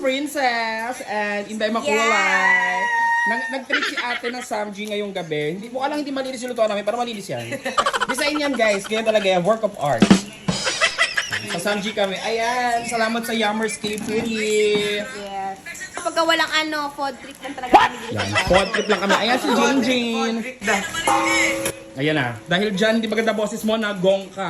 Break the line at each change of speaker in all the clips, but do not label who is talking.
Princess and Inday Makulay. Nag-treat si ate ng Samji ngayong gabi. Hindi mo lang hindi malinis yung lutuan namin, pero malinis yan. Design yan guys, ganyan talaga yan, work of art. Sa Samji kami. Ayan, salamat sa Yummers K Pretty.
Yes. Kapag walang food trip lang talaga kami dito.
Yan, pod trip lang kami. Ayan si Jane Jane. Ayan na. Dahil dyan, di maganda boses mo, nagong ka.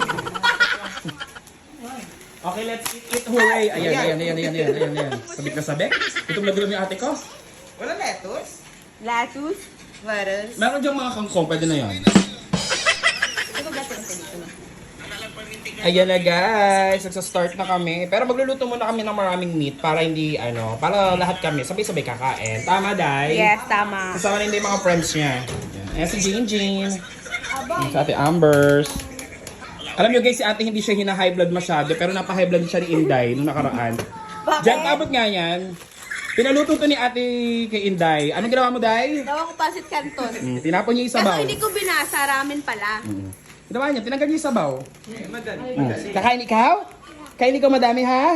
Okay, let's eat. Hooray! Ayan. Sabik na sabik. Itong nagulam yung ate ko.
Wala lettuce?
Lettuce.
Lettuce?
Meron dyan mga kangkong, pwede na yan.
Ito gata ka dito na.
Ayan na guys, nagsa-start na kami. Pero magluluto muna kami ng maraming meat para hindi, para lahat kami sabay-sabay kakain. Tama, Day?
Yes, tama.
Kasama na hindi yung mga friends niya. Ayan si Jane Jane. Si ate Ambers. Alam nyo guys, si ate hindi siya hina-high blood masyado, pero napa-high blood siya ni Inday nung nakaraan. Diyan, tabot nga yan. Pinaluto to ni ate kay Inday. Anong ginawa mo, Day?
Gawa ko pasit canton.
Tinapon niya yung sabaw.
Kaso hindi ko binasa, ramen pala.
Ginawa niya, tinanggal niya yung sabaw. Kakain ikaw? Kain ikaw madami, ha?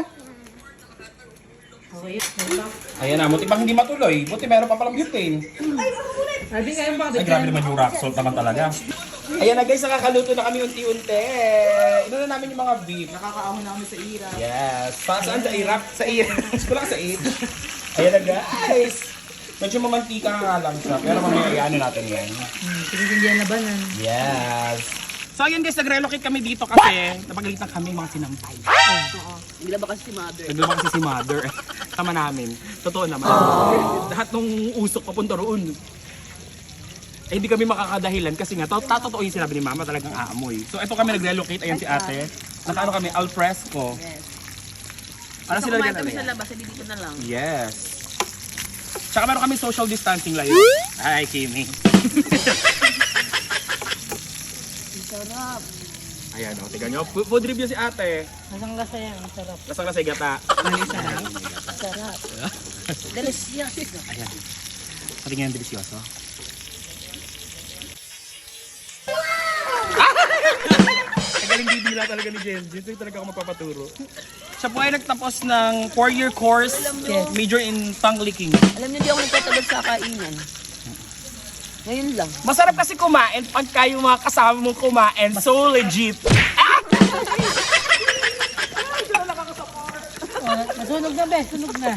Ayan na, buti bang hindi matuloy. Buti meron pa palang butane. Ay, grabe naman yung rock salt naman talaga. Ayan na guys, nakakaluto na kami unti-unti. Ino na namin yung mga beef.
Nakakaahon na kami sa ira.
Yes. Saan sa irap? Sa irap. Kulang sa it. Ayan na guys. Medyo mamantika nga lang siya. Pero mamaya natin yan.
Pinitindihan na ba nan?
Yes. So ayun guys, nag-relocate kami dito kasi napagalitan kami mga sinampay.
Naglaba kasi si mother.
Naglaba kasi si mother. Tama namin. Totoo naman. Lahat ng usok papunta roon. Eh, hindi kami makakadahilan kasi nga, totoo yung sinabi ni mama, talagang aamoy. So ito kami nag-relocate, ayan si ate. Nakaano kami, al fresco.
Yes.
Ano sila
kumain
ganun
kami
yan?
sa labas, dito na lang.
Yes. Tsaka meron kami social distancing layo. Ay, Kimi.
Sarap.
Ayan, o, tignan nyo. Food review si ate.
Lasang-lasa yan, ang sarap.
Lasang lasay gata.
Sarap.
Delicious.
Ayan. Patingin yung delisyoso. Galing bibila talaga ni Jen. Jen talaga ako magpapaturo. Siya po ay nagtapos ng 4-year course, major in tongue licking.
Alam niyo, di ako nagtatagod sa kainan. Ngayon lang.
Masarap kasi kumain pagka yung mga kasama mong kumain, so legit.
Nasunog na be, sunog na.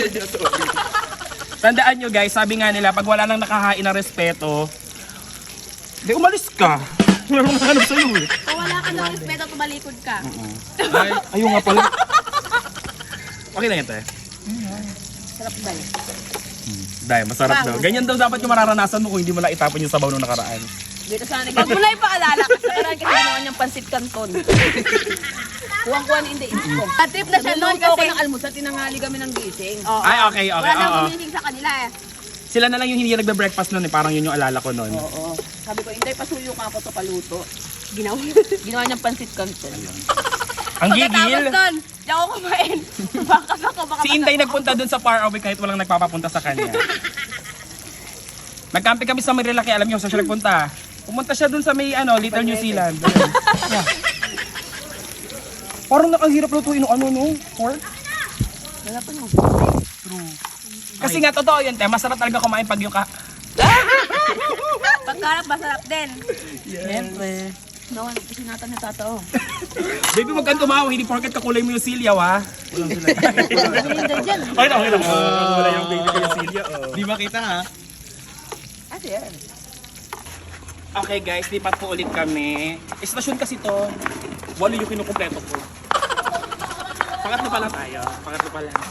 Tandaan nyo guys, sabi nga nila, pag wala nang nakahain ng respeto, di umalis ka. Wala nang nahanap sa'yo eh.
Kung wala ka ng respeto, tumalikod ka.
Ay, ayun nga pala. Okay lang ito eh.
Sarap ba yun?
Dahil masarap daw. Ganyan daw dapat yung mararanasan mo kung hindi mo lang itapon yung sabaw nung nakaraan.
Dito sana nag- Huwag mo na ipaalala kasi parang kasi ginawa niyang pansit canton. Kuwang-kuha ni Inday ko. Trip na siya noon kasi. Ako ng almusal, tinanghali kami ng gising.
Ay, okay.
Wala nang
Oo.
gumising sa kanila eh.
Sila na lang yung hindi nagbe-breakfast noon eh. Parang yun yung alala ko noon.
Oo. Sabi ko, Inday, pasuyo ka ako to paluto. Ginawa niyang pansit canton.
Ang gigil.
Pagkatapos doon, di ako kumain. Bakas ako, baka
Si Inday nagpunta dun sa far away kahit walang nagpapapunta sa kanya. Nagcamping kami sa Marilaki. Alam niyo, saan siya nagpunta? Pumunta siya dun sa may Little New Zealand. Yeah. Parang nakahirap lutuin no? Pork?
Wala pa no.
True. Kasi nga, totoo yun, te. Masarap talaga kumain pag yung
Pagkarap, masarap din.
Siyempre.
Nawan, sinatan na tatao.
Baby, wag kang tumawa. Hindi porket kakulay mo yung silyaw, ha? Walang sila.
Hindi dyan.
Okay lang. Wala yung baby ko yung silya. Di makita, ha?
Kasi yan.
Okay, guys. Lipat po ulit kami. Estasyon kasi to. Walo yung kinukumpleto ko. Pangatlo pa lang tayo. Pangatlo pa lang.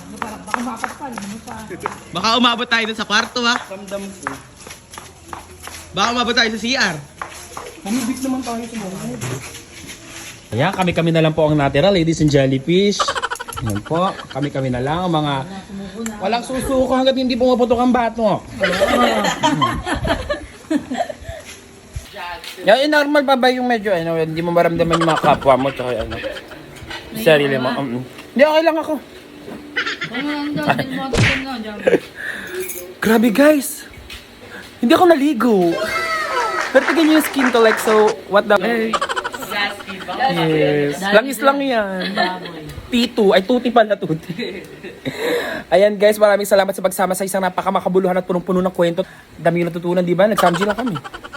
Baka umabot tayo dun sa kwarto ha.
Ramdam ko.
Baka umabot tayo sa CR.
Mamibig naman tayo sa mga. Ayan, kami-kami na lang po ang natira, ladies and jellyfish. Ayan po, kami-kami na lang ang mga walang susuko hanggat hindi pumaputok ang bato. Yan, normal pa ba yung medyo, hindi mo maramdaman yung mga kapwa mo, tsaka sarili mo. Hindi, okay lang ako. Grabe guys, hindi ako naligo. Pero tignan yung skin ko like so, what the... Yes, langis lang yan. T2. Ay, tuti pala, tuti. Ayan guys, maraming salamat sa pagsama sa isang napakamakabuluhan at punong-puno ng kwento. Dami yung natutunan, di ba? Nag-samji lang kami.